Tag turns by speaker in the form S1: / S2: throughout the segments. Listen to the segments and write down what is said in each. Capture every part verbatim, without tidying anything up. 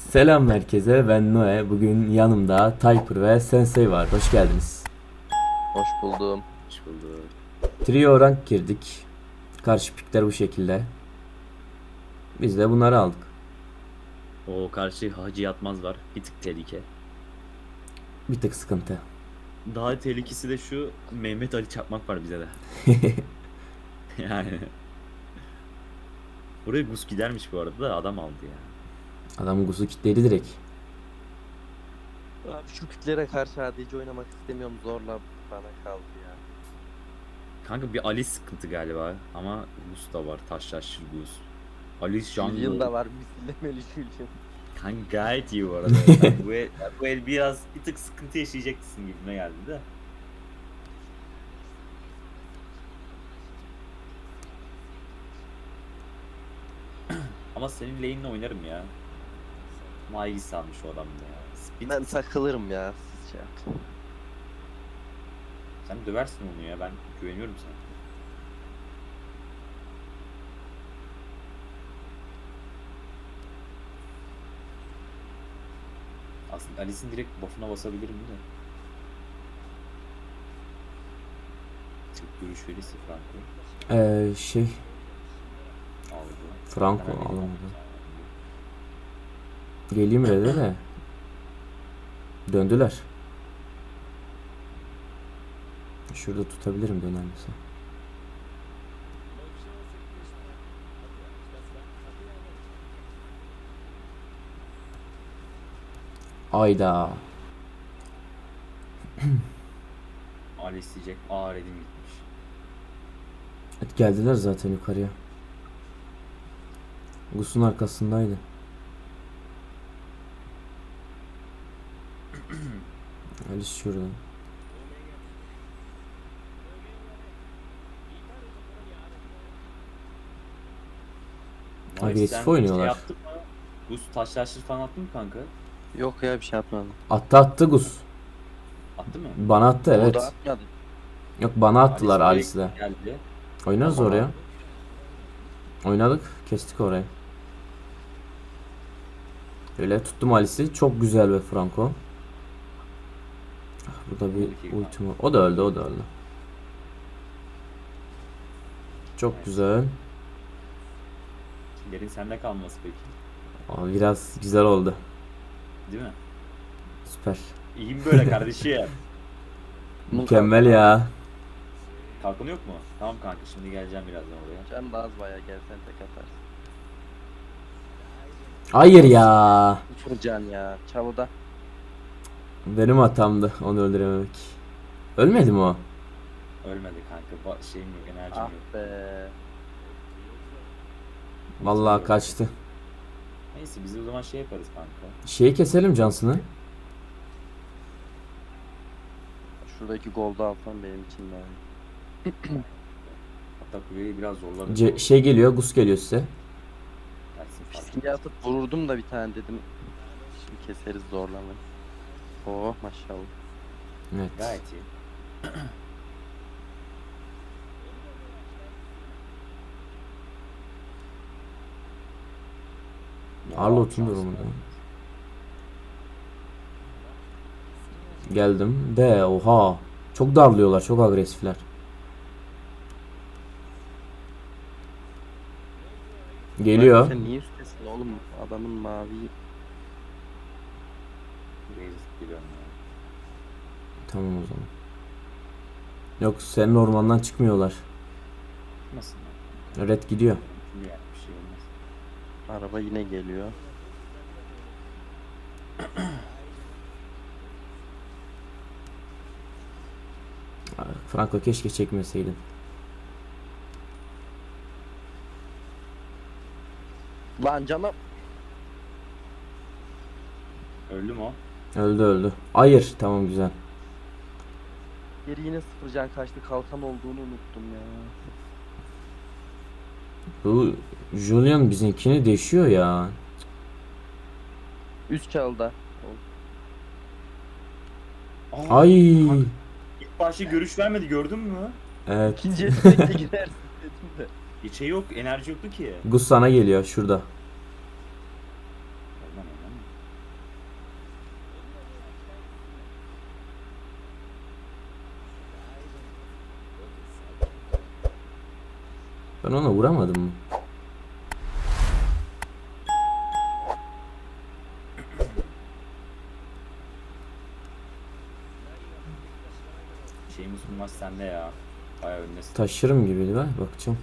S1: Selam herkese, ben Noe. Bugün yanımda Typer ve Sensei var. Hoş geldiniz.
S2: Hoş buldum.
S3: Hoş bulduk.
S1: Trio rank girdik. Karşı pikler bu şekilde. Biz de bunları aldık.
S3: O karşı Hacı Yatmaz var. Bir tık tehlike.
S1: Bir tık sıkıntı.
S3: Daha tehlikesi de şu Mehmet Ali Çakmak var bize de. Yani. Buraya Gus gidermiş bu arada da adam aldı ya.
S1: Adam gusu kitledi direkt.
S2: Abi şu kütlere karşı adici oynamak istemiyorum. Zorla bana kaldı ya.
S3: Kanka bir Ali sıkıntı galiba ama Gus da var. Taşlaşır Gus. Ali
S2: Julian
S3: Jungle.
S2: da var. Misillemeli Julian.
S3: Kanka gayet iyi bu arada. Ben bu, el, bu el biraz bir tık sıkıntı yaşayacaksın gibime geldi de. Ama senin lane'le oynarım ya. Maigi salmış o adam da ya. Spin
S2: Ben takılırım ya. Siz şey yapın.
S3: Sen döversin onu ya, ben güveniyorum sana. Aslında Alice'in direkt buff'una basabilirim de. Çok görüş verirse Franco
S1: Ee, şey,
S3: aldı.
S1: Franco
S3: Ben Alice'i
S1: alamadı.
S3: aldım.
S1: Geleyim red'e de. Döndüler. Şurada tutabilirim dönermese. Ayda.
S3: Alice diyecek. Aa Red'im gitmiş.
S1: Evet, geldiler zaten yukarıya. Gus'un arkasındaydı. Alice şurada.
S3: Alice,
S1: Agresif
S3: sen Şey
S1: oynuyorlar.
S3: yaptın mı? Gus taşlaştır falan attın mı kanka?
S2: Yok ya bir şey yapmadım.
S1: Attı attı Gus.
S3: Attı mı?
S1: Bana attı,
S2: O
S1: evet.
S2: da atmadı.
S1: Yok, bana attılar
S3: Alice
S1: Alice'le.
S3: geldi.
S1: Oynarız
S3: Tamam.
S1: oraya. Oynadık. Kestik orayı. Öyle tuttum Alice'i. Çok güzel be Franco. Ah, burada bir ultim var. O da öldü, o da öldü. Çok güzel.
S3: Yerin sende kalması peki.
S1: Aa, biraz güzel oldu.
S3: Değil mi?
S1: Süper.
S3: İyiyim böyle kardeşim.
S1: Mükemmel ya.
S3: Kalkın yok mu? Tamam kanka, şimdi geleceğim birazdan oraya.
S2: Can da az bayağı gelsen tek atarsın.
S1: Hayır ya.
S2: Sıfır can ya. Çavuda.
S1: Benim hatamdı onu öldürememek. Ölmedi mi o?
S3: Ölmedi kanka. Ba- şeyim yok, enerjim
S2: Ah
S3: yok.
S2: be.
S1: Vallahi kaçtı.
S3: Neyse biz o zaman şey yaparız kanka.
S1: Şeyi keselim Johnson'ı.
S2: Şuradaki golda alsam benim için daha iyi.
S3: Hatta kuleyi biraz zorlarız.
S1: Ce- şey geliyor, Gus geliyor size.
S3: Dersin fark
S2: Fiskini
S3: etmez.
S2: atıp vururdum da bir tane dedim. Şimdi keseriz zorlamayı. Oh maşallah.
S1: Evet.
S3: Gayet iyi.
S1: Arlot'un durumunda. Geldim. De oha. Çok darlıyorlar, çok agresifler. Geliyor.
S2: Sen niye üstesin oğlum? Adamın mavi.
S3: Basic biliyorum ya.
S1: Tamam o zaman. Yok, senin ormandan çıkmıyorlar.
S3: Nasıl?
S1: Red gidiyor.
S3: Şimdi yani bir şey olmaz.
S2: Araba yine geliyor.
S1: Franco keşke çekmeseydin.
S2: Lan canım.
S3: Öldü mü o?
S1: Öldü öldü. Hayır, tamam güzel.
S2: Geri yine sıfır can kaçtı. Kalkan olduğunu unuttum ya.
S1: Bu Julian bizimkini deşiyor ya.
S2: Üst çalda.
S3: Aa,
S1: Ay.
S3: kanka, İlk başta görüş vermedi, gördün mü?
S1: Evet.
S2: İkinci etkide gidersin dedim de.
S3: Hiç şey yok, enerji yoktu ki.
S1: Gus sana geliyor şurada.
S3: Oradan oradan.
S1: Ben ona vuramadım mı?
S3: Şeyimiz bu maç sende ya. Bayağı öndesin.
S1: Taşırım gibi ver bakacağım.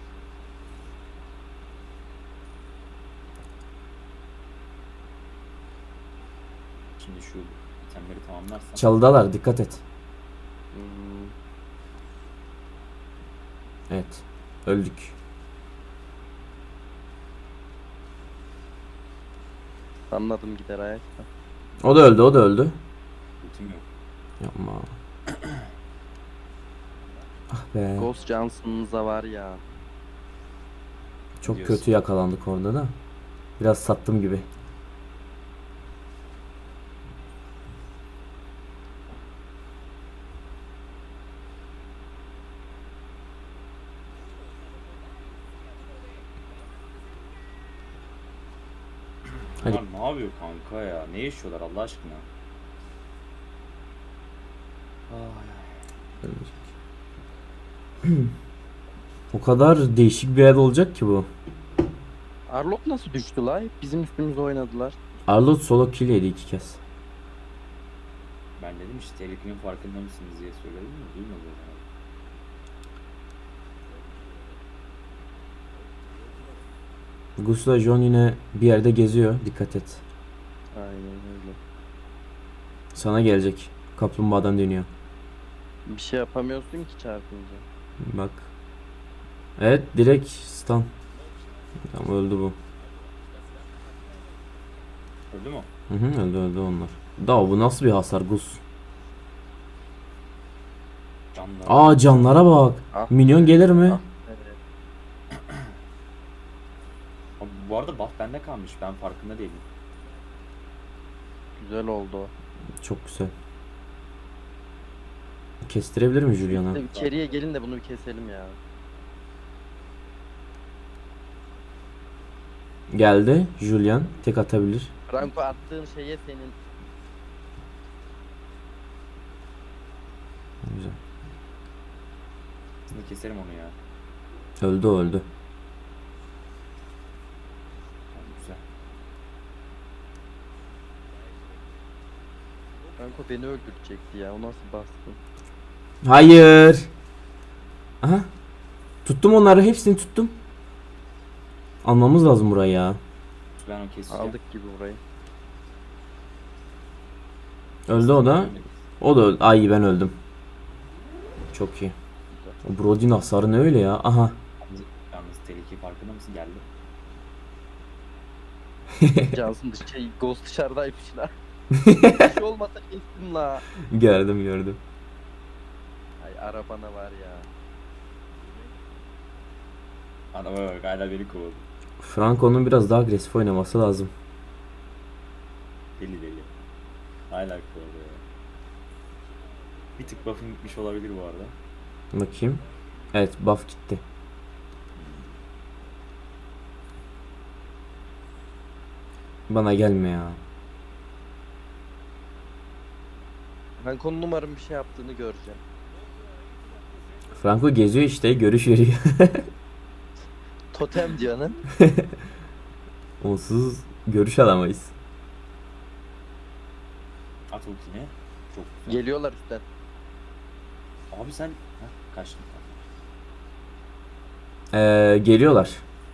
S3: Şimdi şu itemleri tamamlarsan.
S1: Çalıdalar, dikkat et.
S2: Hmm,
S1: Evet. Öldük.
S2: anladım gider ayakta.
S1: O da öldü, o da öldü.
S3: Ultim yok.
S1: Yapma. Ah be.
S2: Ghost Johnson'ınıza var ya.
S1: Çok
S3: diyorsun.
S1: kötü yakalandık orada da. Biraz sattım gibi. Hadi.
S3: Bunlar ne yapıyor kanka ya? Ne yaşıyorlar Allah aşkına? Ay,
S1: O kadar değişik bir yer olacak ki bu.
S2: Arlok nasıl düştü la? Hep bizim üstümüze oynadılar.
S1: Arlott solo kill yedi iki kez.
S3: ben dedim işte tehlikenin farkında mısınız diye söyledim mi? Duymadım yani.
S1: Gusla John yine bir yerde geziyor. Dikkat et.
S2: Aynen öyle.
S1: Sana gelecek. Kaplumbağadan dönüyor.
S2: Bir şey yapamıyorsun ki çarpınca.
S1: Bak. Evet, direkt stun. Tamam, öldü bu.
S3: Öldü mü?
S1: Hı hı, öldü öldü onlar. Da bu nasıl bir hasar Gus?
S3: Canlar.
S1: Aa, canlara bak.
S2: Ah.
S1: Minyon gelir mi?
S2: Ah, evet.
S3: Abi, bu arada buff bende kalmış. Ben farkında değilim.
S2: Güzel oldu o.
S1: Çok güzel. Kestirebilir mi Julian'a?
S2: Siz de içeriye gelin de bunu bir keselim ya.
S1: Geldi. Julian tek atabilir.
S2: Franco attığın şeye senin
S1: Güzel.
S3: Şimdi keserim onu ya.
S1: Öldü o, öldü.
S3: Tamam, güzel.
S2: Franco beni öldürecekti ya. O nasıl baskın?
S1: Hayır. Aha. Tuttum onları, hepsini tuttum. Almamız lazım burayı ya.
S3: Ben o keseceğim.
S2: Aldık gibi burayı.
S1: Öldü o da. O da öldü. Ay, ben öldüm. Çok iyi. O Brody'nin hasarı ne öyle ya? Aha.
S3: Yalnız, yalnız tehlike farkında mısın? Geldi.
S2: Johnson dış şey Ghost dışarıdaymış la. Bir şey olmasa kestim la.
S1: Gördüm gördüm.
S2: Ay arabana var ya.
S3: Adama bak hala beni kovaladı.
S1: Franco'nun biraz daha agresif oynaması lazım.
S3: Deli deli. Hala kovaladı ya. Bir tık buff'ın gitmiş olabilir bu arada.
S1: Bakayım. Evet, buff gitti. Bana gelme ya.
S2: Franco'nun umarım bir şey yaptığını göreceğim.
S1: Franco geziyor işte, görüş veriyor.
S2: Totem diyorsun.
S1: Onsuz görüş alamayız.
S3: At ultini. Çok güzel.
S2: Geliyorlar üstten.
S3: Abi sen Heh, kaçtın.
S1: Ee, geliyorlar.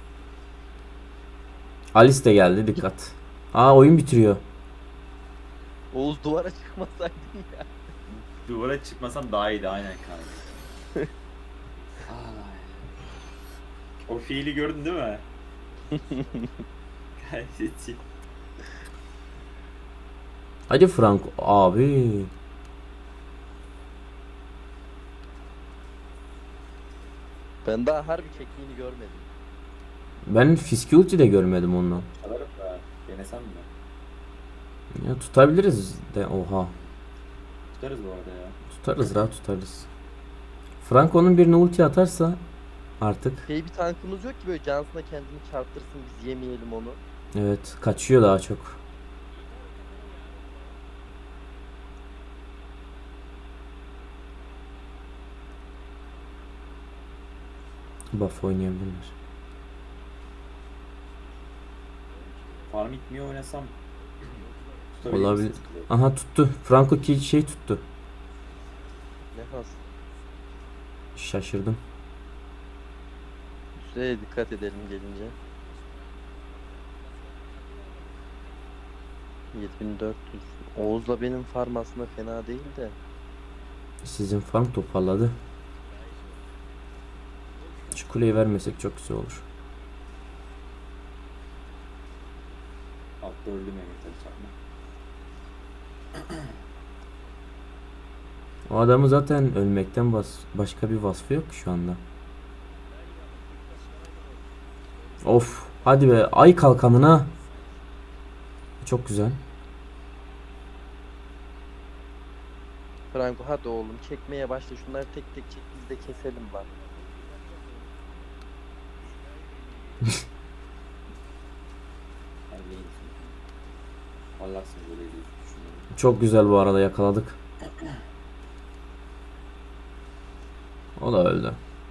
S1: Alice de geldi, dikkat. Aa, oyun bitiriyor.
S2: Oğuz duvara çıkmasaydın ya.
S3: Duvara çıkmasam daha iyiydi aynen kanka. Ay. O fiili gördün değil mi? Gayet iyi.
S1: Hadi Franco abi.
S2: Ben daha harbi çektiğini görmedim.
S1: Ben Fiski ulti de görmedim ondan.
S3: Çalarım da denesem mi?
S1: Ya tutabiliriz de, oha.
S3: Tutarız bu arada ya.
S1: Tutarız, rahat tutarız. Franco'nun birine ulti atarsa artık,
S2: Şey bir tankımız yok ki böyle Johnson'a kendini çarptırsın biz yemeyelim onu.
S1: evet, kaçıyor daha çok. Buff oynayabilirler.
S3: Farm itmiyor oynasam tutabilir
S1: Olabilir.
S3: misiniz bizi?
S1: Aha tuttu. Franco ki şey tuttu.
S2: Ne has.
S1: Şaşırdım.
S2: Süreye dikkat edelim gelince. yedi bin dört yüz. Oğuz'la benim farm aslında fena değil de.
S1: Sizin farm toparladı. Şu kuleyi vermesek çok güzel olur.
S3: Altta öldü Mehmet Ali Çakma.
S1: O adamı zaten ölmekten bas başka bir vasfı yok ki şu anda. Of, hadi be, ay kalkanına. Çok güzel.
S2: Franco hadi oğlum çekmeye başla. Şunları tek tek çek biz de keselim lan.
S3: Hadi iyisin. Allah'sın böyle değil. Düşünüyorum.
S1: Çok güzel, bu arada yakaladık. O da öldü.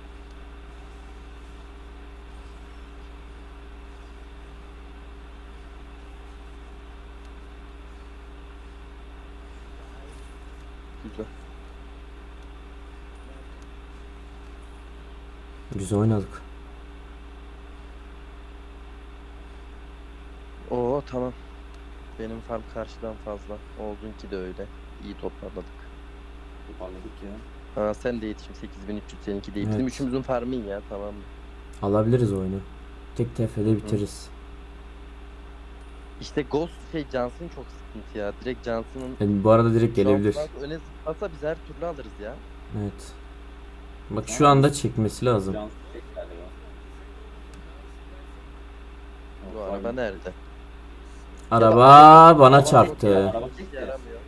S2: Güzel.
S1: Güzel oynadık.
S2: Oo tamam. Benim farm karşıdan fazla. Oğuz'unki de öyle. İyi toparladık.
S3: Toparladık ya.
S2: Ha sen de yetişim sekiz bin üç yüz seninki de iyi. Bizim
S1: Evet.
S2: üçümüzün farmı iyi ya tamam mı?
S1: Alabiliriz oyunu. Tek tefede bitiririz.
S2: İşte Ghost şey Johnson'ın çok sıkıntı ya. Direkt Johnson'ın
S1: Yani bu arada direkt gelebilir.
S2: Şu an Franco öne zıplasa biz her türlü alırız ya.
S1: Evet. Bak şu anda çekmesi lazım.
S3: Can tek galiba.
S2: Bu
S3: Yok,
S2: araba
S3: abi.
S2: nerede?
S1: Araba bana çarptı.
S3: Araba
S2: Hiç
S3: tek ya.
S2: yaramıyor.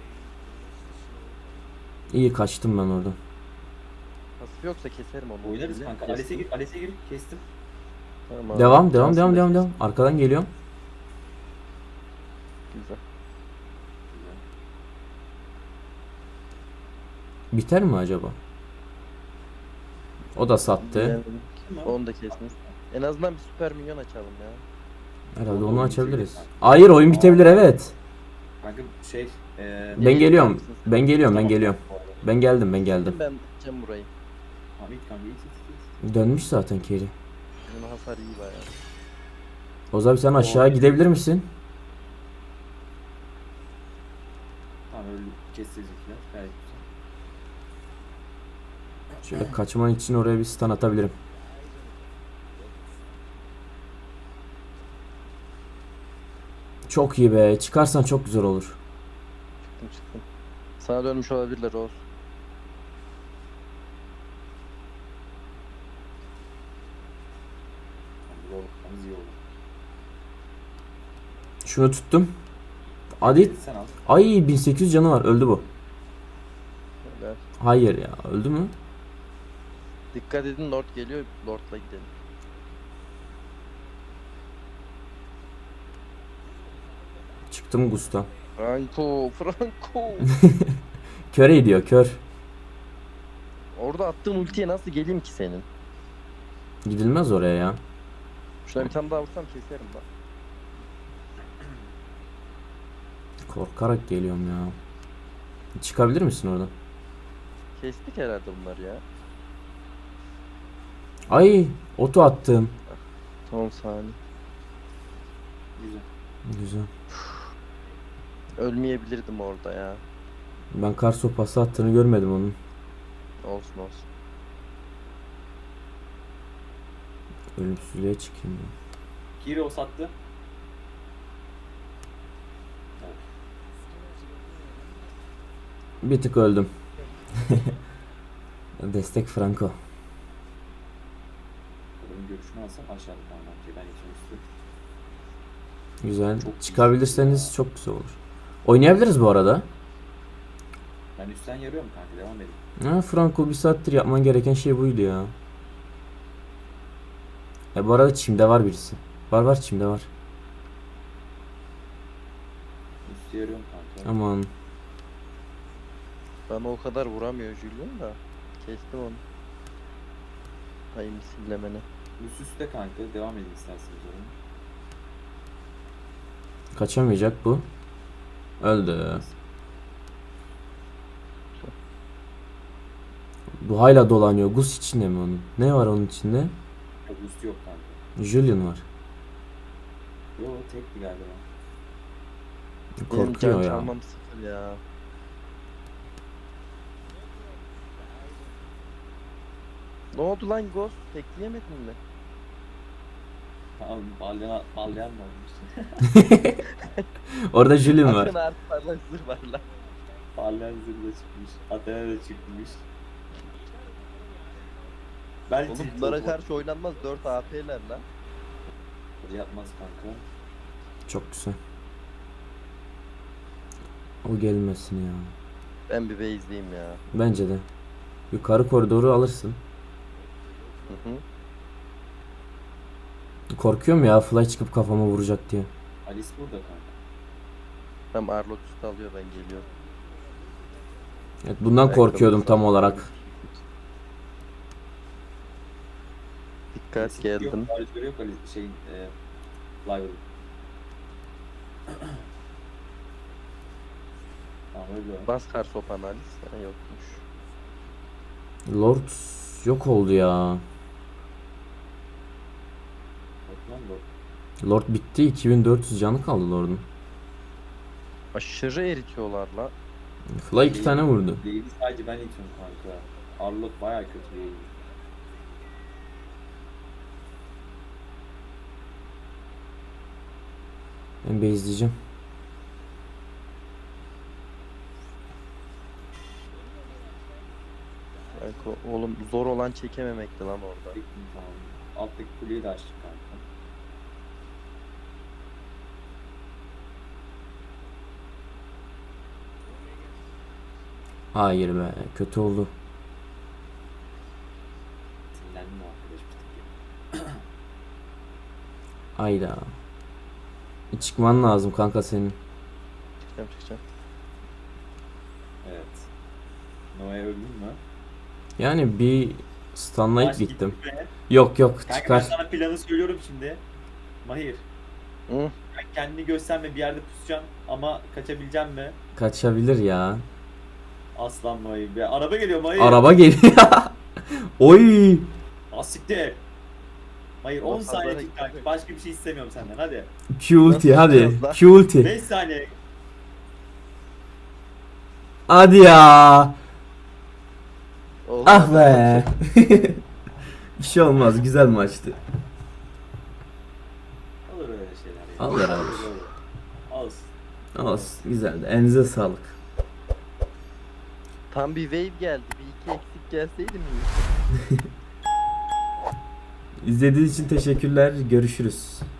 S1: İyi kaçtım ben oradan.
S2: Pasif yoksa keserim onu.
S3: Oynarız
S2: Bile.
S3: kanka.
S2: Kestim.
S3: Ales'e gir, Ales'e gir. Kestim.
S2: Tamam,
S1: Devam devam
S2: Johnson
S1: devam
S2: da
S1: devam
S2: kestim.
S1: devam. Arkadan geliyorum.
S2: Güzel.
S1: Biter mi acaba? O da sattı.
S2: Yani
S3: Kim o?
S2: onu da kesmiş. En azından bir süper minyon açalım ya.
S1: Herhalde
S3: Onu
S1: onu
S3: oyun
S1: açabiliriz.
S3: bitebilir.
S1: Hayır, oyun bitebilir, evet.
S3: Kanka şey. Eee
S1: Ben
S2: Nereye
S1: geliyorum.
S2: gider misin sen?
S1: Ben geliyorum, ben
S3: tamam.
S1: geliyorum. Ben geldim, ben geldim.
S2: Ben gideceğim burayı.
S3: Tamam ilk kanka ilk ilk ilk.
S1: Dönmüş zaten Keri.
S2: Bunun hasar iyi bayağı.
S1: Oz abi sen aşağı gidebilir misin?
S3: Tamam öyle keseceğiz ikiler. Gayet güzel.
S1: Şöyle kaçman için oraya bir stun atabilirim. Çok iyi be. Çıkarsan çok güzel olur.
S2: Çıktım çıktım. Sana dönmüş olabilirler Oğuz.
S3: Tamam, zorluklarımız iyi oldu.
S1: Şunu tuttum. Hadi.
S3: Sen al.
S1: Ay, bin sekiz yüz canı var. Öldü bu.
S2: Böyle.
S1: Hayır ya. Öldü mü?
S2: Dikkat edin Lord geliyor. Lord'la gidelim.
S1: Çıktım Gusta.
S2: Franco, Franco.
S1: Köre gidiyor, kör.
S2: Orada attığın ultiye nasıl geleyim ki senin?
S1: Gidilmez oraya ya.
S2: Şuna bir tane daha vursam keserim bak.
S1: Korkarak geliyorum ya. Çıkabilir misin oradan?
S2: Kestik herhalde bunları ya.
S1: Ay, oto attım.
S2: Son saniye.
S3: Güzel.
S1: Güzel.
S2: Ölmeyebilirdim orada ya.
S1: Ben kar sopası attığını görmedim onun.
S2: Olsun olsun.
S1: Ölümsüzlüğe çıkayım ya.
S3: Kiri o sattı. Evet.
S1: Bir tık öldüm. Destek Franco.
S3: Onun görüşünü alsam aşağıda tamam. Okey ben geçen üstü.
S1: Güzel.
S3: Çok
S1: Çıkabilirseniz çok güzel olur. Oynayabiliriz bu arada.
S3: Ben üstten yarıyorum kanka devam edin.
S1: Ha, Franco bir saattir yapman gereken şey buydu ya. E bu arada çimde var birisi. Var var çimde var.
S3: Üstü yarıyorum kanka.
S1: Aman.
S2: Bana o kadar vuramıyor Julian da. Kestim onu. Hay misillemene.
S3: Üst üste kanka. Devam edin isterseniz oğlum.
S1: Kaçamayacak bu. Öldü. Bu hala dolanıyor. Gus içinde mi onun? Ne var onun içinde?
S3: Yok üst yok kanka.
S1: Julian var.
S3: Yo tekti galiba.
S2: Benim
S1: Korkuyor
S2: can
S1: ya.
S2: çalmam sıfır ya. Ne oldu lan Ghost? Tekleyemedin mi?
S3: Tamam balyan, balyan mı olmuş?
S1: Orada Julian var.
S2: Akın artı parlak zırh var lan.
S3: Balyan zırhı da çıkmış. Athena da çıkmış. Ben
S2: Oğlum bunlara karşı oynanmaz, dört A P'ler lan.
S3: yapmaz kanka.
S1: Çok güzel. O gelmesin ya.
S2: Ben bir base'liyim ya.
S1: Bence de. Yukarı koridoru alırsın.
S2: Hı hı.
S1: Korkuyorum ya fly çıkıp kafama vuracak diye.
S3: Alice burada kanka.
S2: Tam Arlot üstü alıyor, ben geliyorum.
S1: Evet, bundan
S2: Ayakkabı
S1: korkuyordum tam
S2: falan.
S1: olarak.
S2: Dikkat geldim.
S3: Yok, Alice yok Alice şey e, Live'ın. Tamam öyle.
S2: Bas kar sopan Alice. Ha, yokmuş.
S1: Lord yok oldu ya.
S3: Bak lan bu.
S1: Lord bitti. iki bin dört yüz canı kaldı Lord'un.
S2: Aşırı eritiyorlar la.
S1: Fly iki tane vurdu.
S3: Lady'i sadece ben itiyorum kanka. Arlot bayağı kötü değil.
S1: Ben base'leyeceğim.
S2: Kanka, oğlum zor olan çekememekti lan orada.
S3: Çektim tamam. Alttaki kuleyi de açtık kanka.
S1: Hayır be. Kötü oldu.
S3: Sinirlendim o arkadaş bir tık ya.
S1: Ayda. Çıkman lazım kanka senin.
S2: Çıkacağım çıkacağım.
S3: Evet. Noah'ya öldün mü?
S1: Yani bir stunlayıp
S3: Maç
S1: gittim.
S3: gitti be.
S1: Yok yok
S3: Kanka ben
S1: çıkar.
S3: sana planı söylüyorum şimdi. Mahir.
S2: Hı?
S3: Ben kendini gösterme bir yerde pusacağım ama kaçabileceğim mi?
S1: Kaçabilir ya.
S3: Aslan Mahir be. Araba geliyor Mahir.
S1: Araba geliyor. Oy.
S3: Asiktir. Mahir on
S2: Bak,
S3: saniye
S2: pazara
S3: tut kanka.
S2: gittik.
S3: Başka bir şey istemiyorum senden hadi.
S1: Q ulti
S2: Nasıl
S1: hadi.
S2: yapacağız lan?
S1: Q ulti.
S3: beş saniye.
S1: Hadi ya.
S2: Oğlum,
S1: Ah be. Bir şey olmaz. Güzel maçtı.
S3: Olur öyle şeyler ya.
S1: Alır, alır.
S3: Olsun.
S1: Olsun. Güzeldi. Elinize sağlık.
S2: Tam bir wave geldi. Bir iki eksik gelseydi mi?
S1: İzlediğiniz için teşekkürler. Görüşürüz.